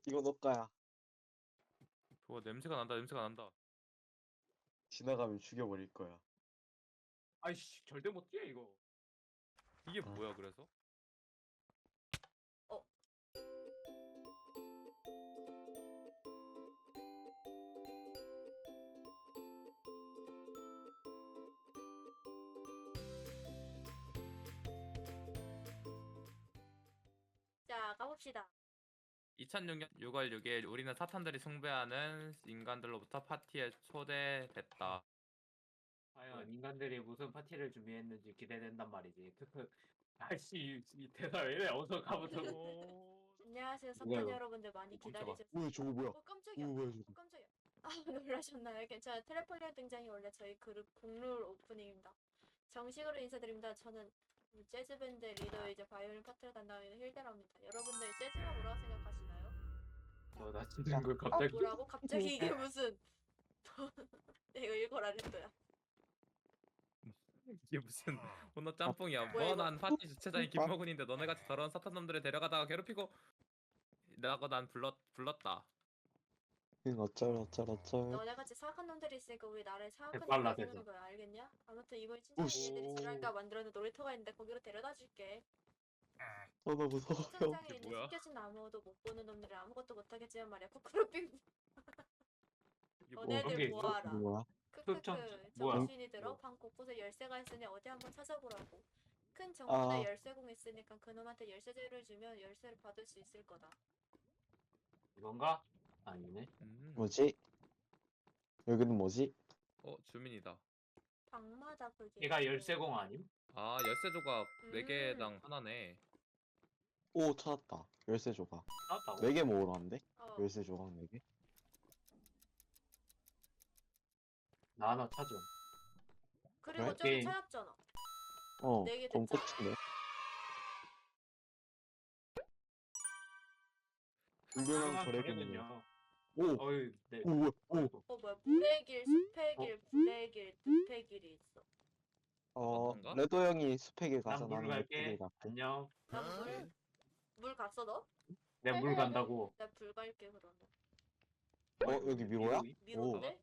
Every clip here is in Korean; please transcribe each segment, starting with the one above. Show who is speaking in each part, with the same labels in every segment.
Speaker 1: 이거 너까야.
Speaker 2: 좋아, 냄새가 난다, 냄새가 난다.
Speaker 1: 지나가면 죽여버릴 거야.
Speaker 3: 아이씨 절대 못 뛰어 이거.
Speaker 2: 이게
Speaker 1: 아.
Speaker 2: 뭐야, 그래서?
Speaker 4: 자, 가봅시다.
Speaker 2: 2006년 6월 6일 우리는 사탄들이 숭배하는 인간들로부터 파티에 초대됐다.
Speaker 3: 과연 인간들이 무슨 파티를 준비했는지 기대된단 말이지. 크크. 아이씨 이 대사 왜 이래? 어서 가보자고.
Speaker 4: 안녕하세요, 사탄
Speaker 3: 뭐야, 이거?
Speaker 4: 여러분들 많이
Speaker 3: 깜짝아.
Speaker 4: 기다리셨어요.
Speaker 1: 오, 저거 뭐야?
Speaker 4: 깜짝이야.
Speaker 1: 뭐야 저거?
Speaker 4: 깜짝이야. 아, 놀라셨나요? 괜찮아요. 트래폴리아 등장이 원래 저희 그룹 공룰 오프닝입니다. 정식으로 인사드립니다. 저는 재즈 밴드 리더이자 바이올린 파트를 담당하는 힐데라입니다. 여러분들 재즈가 뭐라고 생각하시나요?
Speaker 3: 나 진짜 그 갑자기.
Speaker 4: 뭐라고? 갑자기 이게 무슨? 이거 읽어라 린도야.
Speaker 2: 이게 무슨 혼나 짬뽕이야.
Speaker 4: 뭐야, 이거?
Speaker 2: 난 파티 주최자인 김모근인데 너네같이 더러운 사탄놈들을 데려가다가 괴롭히고 나고 난 불렀다.
Speaker 1: 어쩔.
Speaker 4: 너네같이 사악한 놈들이 있으니까 우리 나라에 사악한
Speaker 3: 빨라,
Speaker 4: 놈들이
Speaker 3: 대사.
Speaker 4: 사는 거야, 알겠냐? 아무튼 이번에 친척
Speaker 1: 오씨.
Speaker 4: 애들이 지랄까 만들어낸 놀이터가 있는데 거기로 데려다 줄게.
Speaker 1: 나 무서워.
Speaker 4: 시청장에
Speaker 2: 이게
Speaker 4: 있는
Speaker 2: 뭐야?
Speaker 4: 숨겨진 아무도 못 보는 놈들은 아무것도 못하겠지만 말이야. 코코로빙
Speaker 2: 이게 뭐
Speaker 4: 너네들
Speaker 3: 그런 게 있어?
Speaker 4: 뭐하라.
Speaker 1: 뭐야?
Speaker 3: 흑청-
Speaker 4: 크크크
Speaker 3: 뭐야?
Speaker 4: 정신이 들어?
Speaker 3: 뭐.
Speaker 4: 방 곳곳에 열쇠가 있으니 어디 한번 찾아보라고. 큰 정문에
Speaker 1: 아.
Speaker 4: 열쇠공 있으니까 그놈한테 열쇠제를 주면 열쇠를 받을 수 있을 거다.
Speaker 3: 이건가? 아니네.
Speaker 1: 뭐지? 여기는 뭐지?
Speaker 2: 주민이다.
Speaker 4: 방마다 그게.
Speaker 3: 얘가
Speaker 4: 있대.
Speaker 3: 열쇠공 아님?
Speaker 2: 아, 열쇠 조각
Speaker 4: 음.
Speaker 2: 4개당 하나네.
Speaker 1: 오, 찾았다. 열쇠 조각.
Speaker 3: 나왔다고?
Speaker 1: 4개 모으러 왔는데?
Speaker 4: 어.
Speaker 1: 열쇠 조각 4개?
Speaker 3: 나 하나 찾음.
Speaker 4: 그리고
Speaker 1: 그래?
Speaker 4: 저기
Speaker 3: 게임.
Speaker 4: 찾았잖아.
Speaker 1: 어,
Speaker 4: 4개
Speaker 1: 그럼
Speaker 4: 됐잖아.
Speaker 1: 끝인데? 유명한 거래기는요.
Speaker 3: 거래는요.
Speaker 1: 오!
Speaker 3: 어이 네.
Speaker 1: 오, 뭐야? 오!
Speaker 4: 뭐야? 물의 길, 숲의 길, 불의 길, 늪의 길이 있어.
Speaker 2: 어떤가?
Speaker 1: 레도 형이 숲에 길 가서
Speaker 3: 난 물
Speaker 1: 나는 늪에
Speaker 3: 갈게.
Speaker 1: 길 갈게.
Speaker 3: 안녕.
Speaker 4: 난 물 갔어 너?
Speaker 3: 내 물 간다고.
Speaker 4: 나 불 갈게 그러면.
Speaker 1: 여기 미로야?
Speaker 4: 미로인데?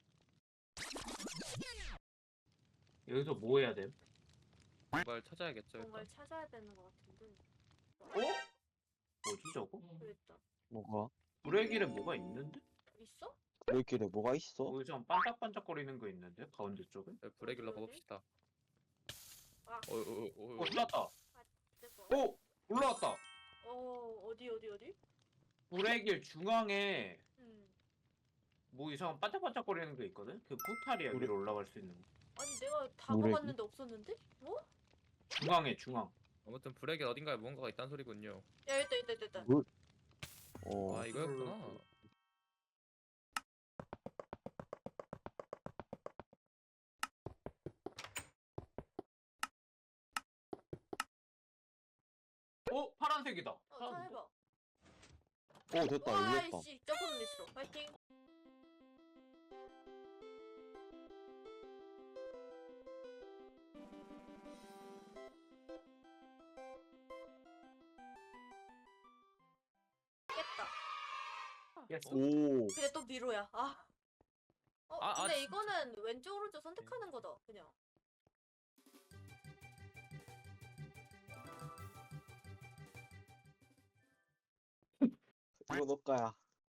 Speaker 3: 여기서 뭐 해야 돼?
Speaker 2: 뭔가를 찾아야겠죠. 일단.
Speaker 4: 뭔가를 찾아야 되는 것 같은데.
Speaker 3: 뭐지 저거?
Speaker 4: 그랬다.
Speaker 1: 뭐가?
Speaker 3: 불의 길에 뭐가 있는데?
Speaker 4: 있어?
Speaker 1: 그 길에 뭐가 있어?
Speaker 3: 여기서 반짝반짝거리는 거 있는데? 가운데 쪽에?
Speaker 2: 불의 길로
Speaker 4: 어디, 어디?
Speaker 2: 가봅시다.
Speaker 4: 아.
Speaker 3: 올라왔다.
Speaker 4: 뜨거.
Speaker 3: 오! 올라왔다.
Speaker 4: 어디?
Speaker 3: 불의 길 중앙에
Speaker 4: 음.
Speaker 3: 뭐 이상한 반짝반짝거리는 게 있거든? 그 포탈이야
Speaker 1: 우리-
Speaker 3: 위로 올라갈 수 있는 거.
Speaker 4: 아니 내가 다
Speaker 1: 물의
Speaker 4: 먹었는데 없었는데? 뭐?
Speaker 3: 중앙에 중앙.
Speaker 2: 아무튼 불의 길 어딘가에 무언가가 있다는 소리군요.
Speaker 4: 야 있다.
Speaker 2: 아, 이거였구나.
Speaker 3: 파란색이다.
Speaker 4: 찾아봐.
Speaker 1: 오, 됐다. 열렸다.
Speaker 4: 와이씨 점프 눌렸어. 파이팅. 깼다.
Speaker 3: 예스.
Speaker 1: 오,
Speaker 4: 근데 또 미로야. 아. 근데
Speaker 2: 진짜.
Speaker 4: 이거는 왼쪽 오른쪽 선택하는 거다. 그냥.
Speaker 1: 이거 너까야.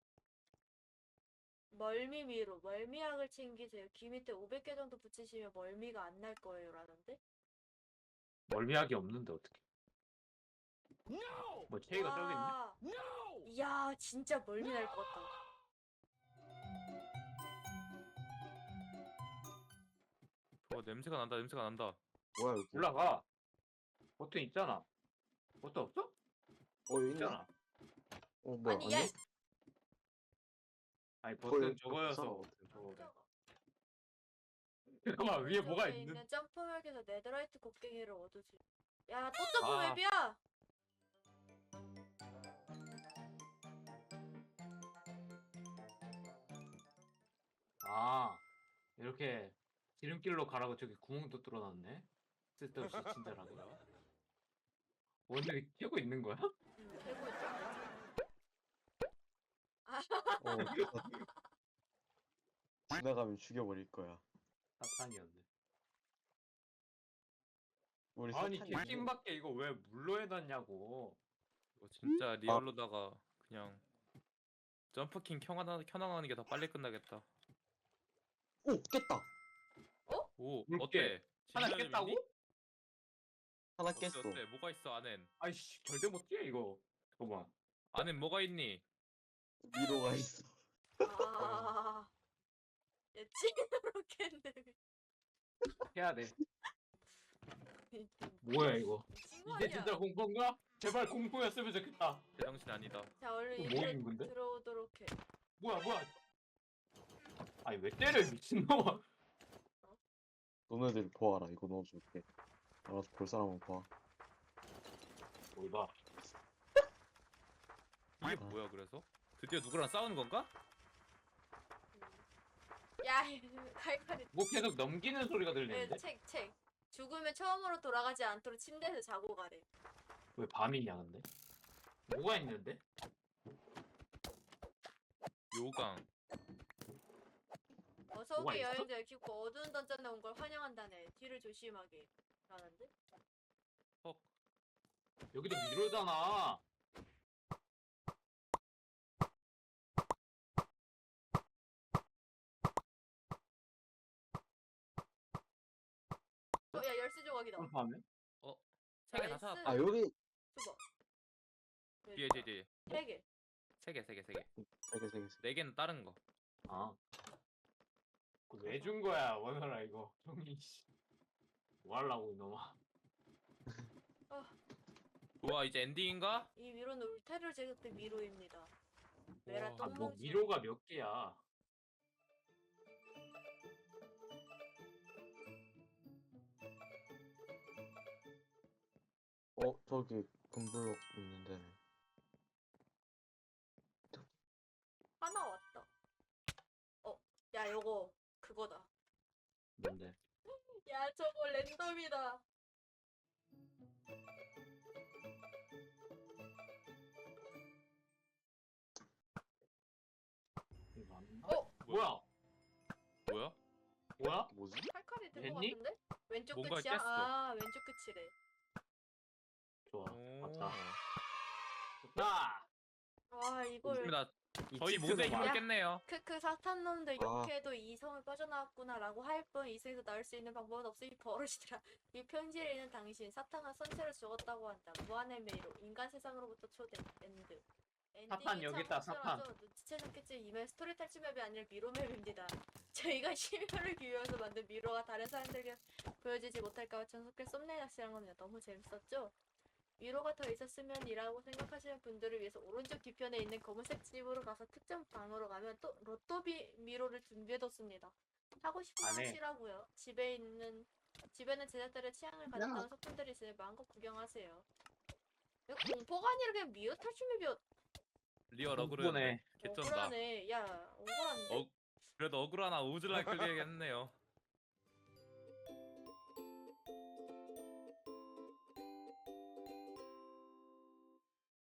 Speaker 4: 멀미 미로. 멀미약을 챙기세요. 귀 밑에 500개 정도 붙이시면 멀미가 안 날 거예요. 라는데?
Speaker 3: 멀미약이 없는데 어떻게? 뭐 체이가 저기 있네.
Speaker 4: 와. 이야 진짜 멀미 날 것 같다.
Speaker 2: 냄새가 난다, 냄새가 난다.
Speaker 1: 뭐야 여기?
Speaker 3: 올라가. 버튼 있잖아. 버튼 없어?
Speaker 1: 여기 있네?
Speaker 3: 있잖아.
Speaker 1: 뭐야?
Speaker 4: 아니 야 이-
Speaker 3: 아니
Speaker 1: 거의
Speaker 3: 버튼
Speaker 1: 없어.
Speaker 3: 저거여서 저거.
Speaker 4: 깜짝아.
Speaker 3: 잠깐만 위에 뭐가
Speaker 4: 저기에
Speaker 3: 있는?
Speaker 4: 있는 점프맵에서 네더라이트 곡괭이를 얻으지. 야 또 점프맵이야?
Speaker 3: 아 이렇게 지름길로 가라고 저기 구멍도 뚫어놨네. 쓸데없이 친절하게. 원래 캐고 있는 거야?
Speaker 4: 되고 있다. 아
Speaker 1: 지나가면 죽여버릴 거야.
Speaker 3: 사탄이었네.
Speaker 1: 우리
Speaker 3: 아니
Speaker 1: 사탄이
Speaker 3: 개킹밖에 이거 왜 물로 해놨냐고.
Speaker 2: 이거 진짜 리얼로다가 그냥 점프킹 켜나가는 게 더 빨리 끝나겠다.
Speaker 1: 오 깼다.
Speaker 2: 오
Speaker 3: 물개.
Speaker 2: 어때?
Speaker 3: 하나
Speaker 2: 진짜
Speaker 3: 깼다고?
Speaker 2: 재밌니?
Speaker 1: 하나
Speaker 2: 어때
Speaker 1: 깼어.
Speaker 2: 어때? 뭐가 있어 안엔?
Speaker 3: 아이씨 절대 못 뛰어 이거. 잠깐만.
Speaker 2: 안엔 뭐가 있니?
Speaker 1: 미로가 있어.
Speaker 4: 아, 얘 찐으로 캔데.
Speaker 3: 해야 돼. 뭐야 이거?
Speaker 4: 미친 거
Speaker 3: 이게
Speaker 4: 아니야?
Speaker 3: 진짜 공포인가? 제발 공포였으면 좋겠다.
Speaker 2: 제정신 아니다.
Speaker 4: 자, 얼른
Speaker 3: 이거 뭐
Speaker 4: 얘들
Speaker 3: 있는 건데?
Speaker 4: 들어오도록 해.
Speaker 3: 뭐야? 아니 왜 때려 이 미친놈아.
Speaker 1: 너네들 보아라. 이거 넣어줄게. 알아서 볼 사람은 봐.
Speaker 3: 뭘 봐.
Speaker 2: 이게 뭐야 그래서? 드디어 누구랑 싸우는 건가?
Speaker 4: 야, 칼칼이.
Speaker 3: 뭐 계속 넘기는 소리가 들리는데?
Speaker 4: 책. 죽으면 처음으로 돌아가지 않도록 침대에서 자고 가래.
Speaker 3: 왜 밤이냐 근데? 뭐가 있는데?
Speaker 2: 요강.
Speaker 4: 어서
Speaker 3: 뭐가
Speaker 4: 오게
Speaker 3: 있어?
Speaker 4: 여행자 깊고 어두운 던전에 온 걸 환영한다네. 뒤를 조심하게. 라는데?
Speaker 2: 헉.
Speaker 3: 여기도 미로잖아.
Speaker 4: 야, 열쇠 조각이다.
Speaker 3: 점프하면?
Speaker 2: 세 개 다
Speaker 4: 나이스.
Speaker 2: 찾았다.
Speaker 1: 아 여기
Speaker 4: 줘봐.
Speaker 2: 뒤에.
Speaker 4: 세 개.
Speaker 2: 세 개.
Speaker 1: 세개 3개.
Speaker 2: 네 개는 다른 거.
Speaker 3: 아. 왜 준 거야 원하라 이거. 종이 씨. 뭐 하려고 이놈아.
Speaker 2: 좋아 이제 엔딩인가?
Speaker 4: 이 미로는 울타리를 제작된 미로입니다. 메라
Speaker 2: 와,
Speaker 3: 아, 뭐
Speaker 4: 똥멍치.
Speaker 3: 미로가 몇 개야?
Speaker 1: 저기 금블럭 있는데.
Speaker 4: 하나 왔다. 야, 요거 그거다.
Speaker 3: 뭔데?
Speaker 4: 야, 저거 랜덤이다.
Speaker 3: 이거 맞나?
Speaker 4: 뭐야?
Speaker 3: 뭐야?
Speaker 2: 뭐야?
Speaker 3: 뭐야?
Speaker 1: 뭐지?
Speaker 4: 칼칼이 된 거
Speaker 3: 됐니?
Speaker 4: 같은데? 왼쪽
Speaker 2: 뭔가
Speaker 4: 끝이야?
Speaker 2: 깼어.
Speaker 4: 아, 왼쪽 끝이래.
Speaker 3: 좋아.
Speaker 2: 오.
Speaker 3: 맞다. 좋다.
Speaker 4: 와, 이걸
Speaker 2: 좋습니다.
Speaker 3: 이
Speaker 2: 저희
Speaker 3: 치트가
Speaker 2: 모두의 힘을
Speaker 3: 뭐야?
Speaker 2: 깼네요.
Speaker 4: 크크 사탄놈들
Speaker 1: 아.
Speaker 4: 욕해도 이성을 빠져나왔구나라고 할 뿐 이성에서 나올 수 있는 방법은 없으니 버릇이더라. 이 편지를 읽는 당신 사탄과 선체를 죽었다고 한다. 무한의 메이로 인간 세상으로부터 초대 엔드.
Speaker 3: 사탄 여기 있다, 사탄.
Speaker 4: 눈치채셨겠지. 이메일 스토리 탈출 맵이 아니라 미로 맵입니다. 저희가 심혈을 기울여서 만든 미로가 다른 사람들에게 보여지지 못할까봐 전속해 썸네일 낚시한 겁니다. 너무 재밌었죠? 미로가 더 있었으면이라고 생각하시는 분들을 위해서 오른쪽 뒤편에 있는 검은색 집으로 가서 특정 방으로 가면 또 로또비 미로를 준비해뒀습니다. 하고 싶은 거
Speaker 3: 안 해.
Speaker 4: 하시라고요. 집에는 제작들의 취향을 가졌다는 소품들이 있으니 마음껏 구경하세요. 이거 공포가 아니라 그냥 미로 탈출 맵이었.
Speaker 2: 리얼 어그로.
Speaker 3: 공포네.
Speaker 2: 개쩐다.
Speaker 4: 억울하네. 야, 억울한데.
Speaker 2: 그래도 어그로 하나 우즈라이 끌리겠네요.